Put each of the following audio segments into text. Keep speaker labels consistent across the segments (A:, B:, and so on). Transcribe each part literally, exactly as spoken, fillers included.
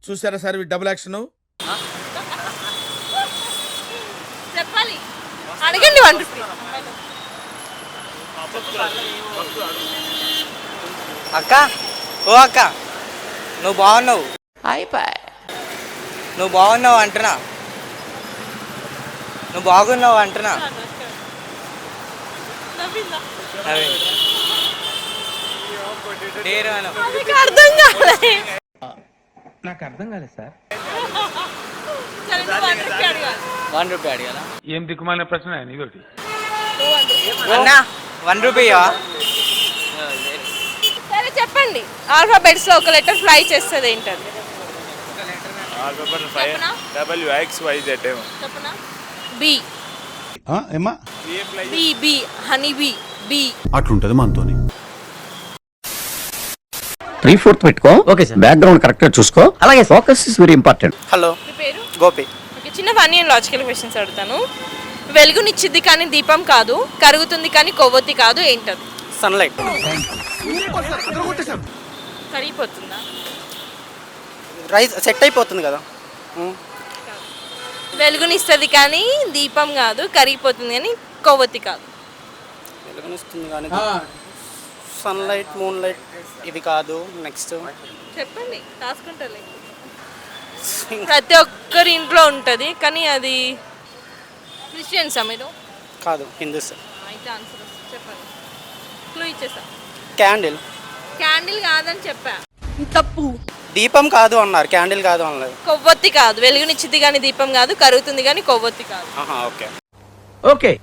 A: చూసారా sir double action?
B: చెప్పాలి, అడగండి. One rupee.
C: అక్క, ఓ అక్క, నువ్వు బాగున్నావు. నువ్వు బాగున్నావు అంటున్నా. నువ్వు బాగున్నావు అంటున్నా. అదే డేరు అను.
B: నాకు అర్థం కాలే.
D: నాకు అర్థం కాలేదు సార్.
B: సరే, నువ్వు వన్ రూపీ అడగాలి.
C: వన్ రూపీ అడిగాలా?
D: ఏం దిక్కుమాలిన ప్రశ్న ఇదొకటి.
B: నువ్వు వన్ రూపీ.
C: అన్నా వన్ రూపీయా?
B: సరే చెప్పండి, ఆల్ఫాబెట్స్ లో ఒక లెటర్ ఫ్లై చేస్తుంది ఏంటది?
E: ఆల్ఫాబెట్ ఫైవ్
B: చెప్పనా?
E: డబ్ల్యూ ఎక్స్ వై జెడ్ ఏమో.
B: చెప్పనా? బి.
A: ఏమా
B: B B honey B B.
A: అట్లుంటది మనతోని.
F: త్రీ ఫోర్త్ పెట్టుకో. Okay sir. బ్యాక్గ్రౌండ్ కరెక్ట్ గా చూసుకో. అలాగే focus is very important.
C: Hello,
B: మీ పేరు?
C: గోపి.
B: ఓకే, చిన్న ఫన్నీ అండ్ లాజికల్ క్వశ్చన్స్ అడుగుతాను. వెలుగునిచ్చిద్ది కానీ దీపం కాదు, కరుగుతుంది కానీ కొవ్వొత్తి కాదు, ఏంటది?
C: సన్లైట్.
B: కరిగిపోతుందా?
C: రైస్ సెట్ అయిపోతుంది కదా.
B: వెలుగునిస్తుంది కానీ దీపం కాదు, కరిగిపోతుంది కానీ కొవ్వొత్తి కాదు.
C: వెలుగునిస్తుంది కానీ సన్లైట్, మూన్ లైట్ ఇవి కాదు. నెక్స్ట్
B: చెప్పండి, రాసుకుంటాలే. ప్రతి ఒక్కరి ఇంట్లో ఉంటుంది కానీ అది క్రిస్టియన్సా మీరు?
C: కాదు, హిందూస్.
B: అయితే ఆన్సర్ వస్తుంది, చెప్పండి. క్లూ ఇచ్చేసా.
C: క్యాండిల్.
B: క్యాండిల్ కాదని చెప్పా. తప్పు.
C: దీపం కాదు అన్నారు, క్యాండిల్ కాదు అనలేదు.
B: కొవ్వొత్తి కాదు, వెలుగునిచ్చిద్ది కానీ దీపం కాదు, కరుగుతుంది కానీ కొవ్వొత్తి కాదు.
C: ఆహా, ఓకే.
F: ఓకే.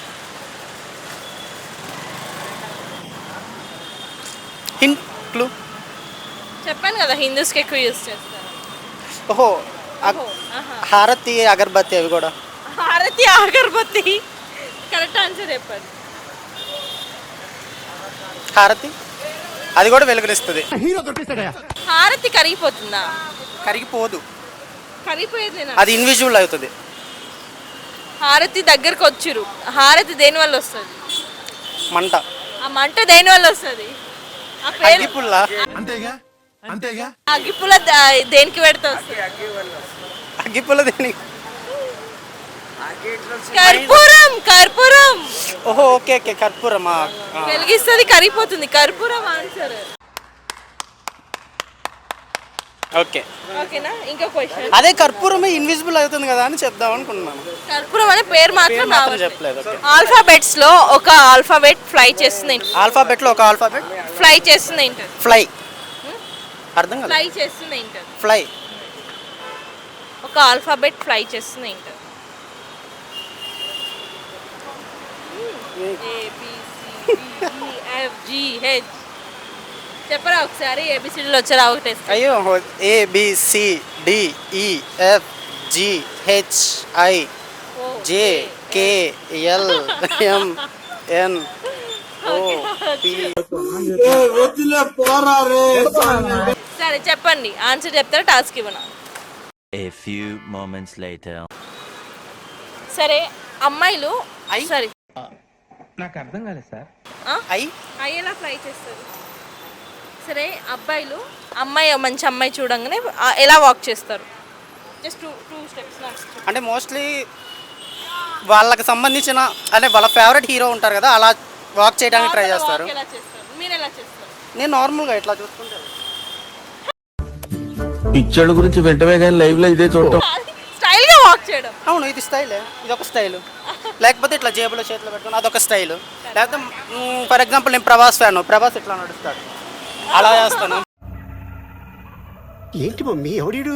C: Hint clue.
B: చెప్పాను కదా, హిందూస్కి ఎక్కువ యూజ్ చేస్తారు.
C: ఓహో,
B: ఓహో, ఆహా.
C: హారతి, అగరబత్తి అవి కూడా.
B: హారతి, అగరబత్తి. కరెక్ట్ ఆన్సర్ చెప్పండి.
C: హారతి అది కూడా వెలుగునిస్తుంది.
B: హారతి కరిగిపోతుందా?
C: కరిగిపోదు,
B: కరిగిపోయేది.
C: అది ఇన్విజిబుల్ అవుతుంది.
B: హారతి దగ్గరకు వచ్చిరు. హారతి దేని వల్ల వస్తుంది?
C: మంట.
B: ఆ మంట దేని వల్ల వస్తుంది? ఆ పేరు
C: అగ్గిపుల్ల.
A: అంతేగా అంతేగా.
B: అగ్గిపుల్ల ద- దేనికి పెడితే వస్తుంది?
C: అగ్గిపుల్ల దేని?
B: కర్పూరం. కర్పూరం
C: ఓహో, ఓకే ఓకే, కర్పూరమా?
B: వెలిగిస్తుంది, కరిగిపోతుంది. కర్పూరం ఆన్సర్.
C: ఓకే,
B: ఓకేనా? ఇంకో క్వశ్చన్.
C: అదే కర్పూరమే ఇన్విజిబుల్ అవుతుంది కదా అని చెప్దాం అనుకున్నాను.
B: కర్పూరం అనే పేరు మాత్రం
C: పేరు మాత్రం
B: రావట్లేదు.
C: చెప్పలేదు. ఓకే.
B: ఆల్ఫాబెట్స్ లో ఒక ఆల్ఫాబెట్ ఫ్లై చేస్తుంది.
C: ఆల్ఫాబెట్ లో ఒక ఆల్ఫాబెట్
B: ఫ్లై చేస్తుంది ఏంటది?
C: ఫ్లై. అర్థం కదా?
B: ఫ్లై చేస్తుంది ఏంటది?
C: ఫ్లై.
B: ఒక ఆల్ఫాబెట్ ఫ్లై చేస్తుంది ఏంటది? ఏబిసిడిఎఫ్జిహెచ్. చెప్పరా ఒకసారి, ఏబిసిడీలు వచ్చారా? ఒకటే.
C: అయ్యో, A B C D E F G H I J K L M N O P.
B: సరే చెప్పండి, ఆన్సర్ చెప్తారా? టాస్క్ ఇవ్వనా?
G: A few moments later.
B: సరే, అమ్మాయిలు
C: ఐ?
B: సరే
D: నాకు అర్థం కాలేదు సార్.
C: ఐ
B: అయ్యేలా ఫ్లై చేస్తారు. సరే, అబ్బాయిలు అమ్మాయి మంచి అమ్మాయి చూడంగానే ఆ, ఎలా వాక్ చేస్తారు? Just two two steps.
C: అంటే మోస్ట్లీ వాళ్ళకి సంబంధించిన అంటే వాళ్ళ ఫేవరెట్ హీరో ఉంటారు కదా, అలా వాక్ చేయడానికి ట్రై చేస్తారు.
B: ఎలా చేస్తారు? మీరు ఎలా చేస్తారు?
C: నేను నార్మల్గా ఇట్లా చూసుకుంటాను.
H: పిచ్చడు గురించి వెంటనే కానీ లైవ్ లో ఇదే చూడటం.
B: స్టైల్ గా వాక్ చేయడం.
C: అవును, ఇది స్టైలే. ఇది ఒక స్టైలు. లేకపోతే ఇట్లా జేబులో చేతిలో పెట్టుకుని అదొక స్టైలు. లేకపోతే ఫర్ ఎగ్జాంపుల్ నేను ప్రభాస్ ఫ్యాన్, ప్రభాస్ ఇట్లా నడుస్తాడు, అలా చేస్తాను.
H: ఏంటి మమ్మీ ఎవడీడు?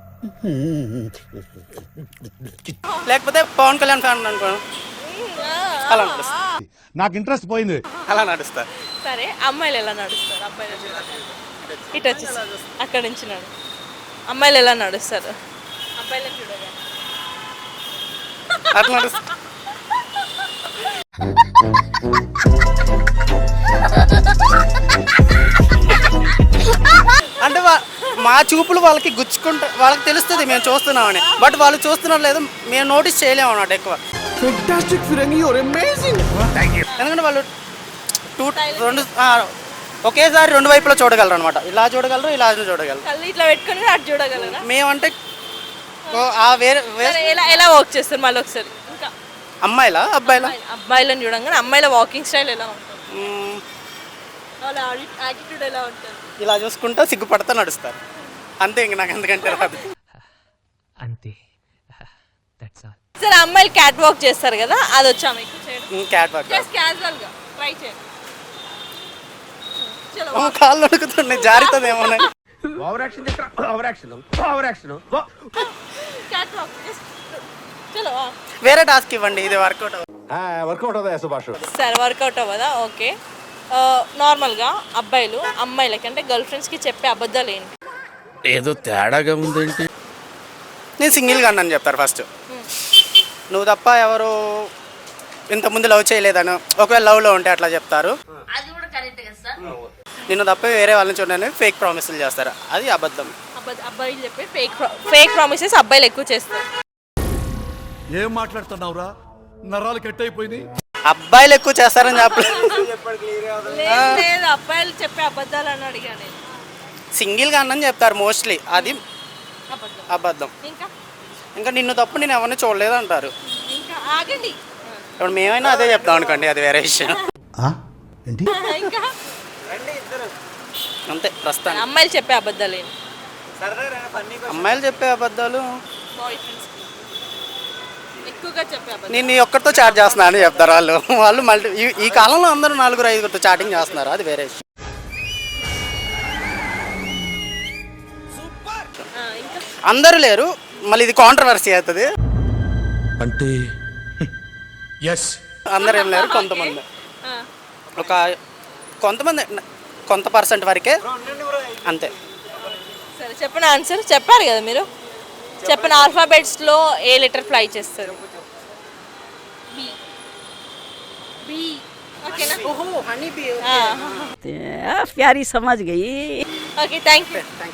C: లేకపోతే పవన్ కళ్యాణ్ ఫ్యాన్ అనుకో, అలా నడుస్తా.
A: నాకు ఇంట్రెస్ట్ పోయింది.
C: అలా నడుస్తా.
B: సరే, అమ్మాయిలు ఎలా నడుస్తారు? అబ్బాయిలు ఇటు వచ్చేసి అక్కడ నుంచి నడు. అమ్మాయిలు ఎలా నడుస్తారు? అబ్బాయిలు చూడగా
C: అట్లా నడుస్తా. అంటే వా- మా చూపులు వాళ్ళకి గుచ్చుకుంటా, వాళ్ళకి తెలుస్తుంది మేము చూస్తున్నామని. బట్ వాళ్ళు చూస్తున్నారు లేదు, మేము నోటీస్ చేయలేము అన్నమాట ఎక్కువ. ఎందుకంటే వాళ్ళు టూ రెండు ఒకేసారి రెండు వైపులా చూడగలరు అనమాట. ఇలా చూడగలరు, ఇలా చూడగలరు.
B: కళ్ళు ఇట్లా పెట్టుకొని అటు చూడగలరా?
C: మేమంటే ఓ, ఆ వేరే వేరే
B: సరే, ఎలా ఎలా వాక్ చేస్తారు మళ్ళీ ఒకసారి? ఇంకా
C: అమ్మాయిలా అబ్బాయిలా?
B: అబ్బాయిలను చూడంగానే అమ్మాయిల వాకింగ్ స్టైల్ ఎలా ఉంటుంది?
C: మ్మ్,
B: వాళ్ళ యాటిట్యూడ్ ఎలా ఉంటుంది?
C: ఇలా చూసుకుంటా సిగ్గుపడతా నడుస్తారు అంతే. ఇంక నాకు ఎందుకంటే రాదు.
D: అంతే దట్స్ ఆల్.
B: సరే, అమ్మాయిలు క్యాట్ వాక్ చేస్తారు కదా, అది వచ్చా మీకు చేయడం?
C: క్యాట్ వాక్
B: జస్ట్ క్యాజువల్ గా ట్రై చేయండి. చలో
C: కాళ్ళు అడుగుతున్నాయి, జారుతుందేమో.
A: Over action over action over action
B: cat walk చలో.
C: వేరే టాస్క్ ఇవ్వండి, ఇది వర్కౌట్.
A: వర్కౌట్ అవుతా సుభాష్.
B: సరే, వర్కౌట్ అవ్వదా? ఓకే. నార్మల్గా అబ్బాయిలు అమ్మాయిలకి అంటే గర్ల్ ఫ్రెండ్స్కి చెప్పే అబద్ధాలు ఏంటి?
A: ఏదో తేడాగా ఉందేంటి?
C: నేను సింగిల్గా అన్నాను చెప్తారు ఫస్ట్. నువ్వు తప్ప ఎవరు ఇంతకుముందు లవ్ చేయలేదని, ఒకవేళ లవ్లో ఉంటే అట్లా చెప్తారు. నిన్ను తప్ప వేరే వాళ్ళని చూడని ఫేక్ ప్రామిసులు చేస్తారు, అది అబద్ధం.
B: అబద్ధ అబ్బాయిలు చెప్పే ఫేక్ ఫేక్ ప్రామిసెస్ అబ్బాయిలు ఎక్కువ చేస్తారు.
A: ఏం మాట్లాడుతున్నావురా? నరాలు కట్ అయిపోయింది.
C: అబ్బాయిలు ఎక్కువ చేస్తారని చెప్పలేదు.
B: లేదు లేదు, అబ్బాయిలు చెప్పే అబద్ధాలు అని అడిగాను నేను.
C: సింగిల్గా అన్నని చెప్తారు మోస్ట్లీ, అది
B: అబద్ధం.
C: అబద్ధం.
B: ఇంకా
C: ఇంకా నిన్ను తప్ప నేను ఎవరిని చూడలేదు అంటారు.
B: ఇంకా ఆగండి.
C: ఇప్పుడు మేమైనా అదే చెప్తాం అనుకోండి, అది వేరే విషయం.
B: ఇంకా
C: అంతే ప్రస్తుతానికి.
B: అమ్మాయిలు చెప్పే అబద్ధాలు ఏంటి?
C: అమ్మాయిలు చెప్పే అబద్ధాలు,
B: బాయ్ ఫ్రెండ్స్ ఎక్కువగా చెప్పే అబద్ధాలు.
C: నేను నీ ఒక్కరితో చాట్ చేస్తున్నా అని చెప్తారు వాళ్ళు. వాళ్ళు మళ్ళీ ఈ- ఈ కాలంలో అందరూ నలుగురు ఐదుగురితో చాటింగ్ చేస్తున్నారు, అది వేరే విషయం.
B: ఆ, ఇంకా
C: అందరూ లేరు, మళ్ళీ ఇది కాంట్రవర్సీ అవుతుంది.
A: అంటే ఎస్
C: అందరూ ఏం లేరు, కొంతమంది,
B: ఆ,
C: ఒక కొంతమంది, కొంత పర్సెంట్ వరకే అంతే.
B: సరే, చెప్పిన ఆన్సర్ చెప్పారు కదా మీరు. చెప్పిన ఆల్ఫాబెట్స్లో ఏ లెటర్ ఫ్లై చేస్తారు? బి. బి. ఓకేనా?
C: ఓహో హనీ బీ.
B: ఆ.
F: ప్యారీ సమాజ్ గయి.
B: Okay, thank you.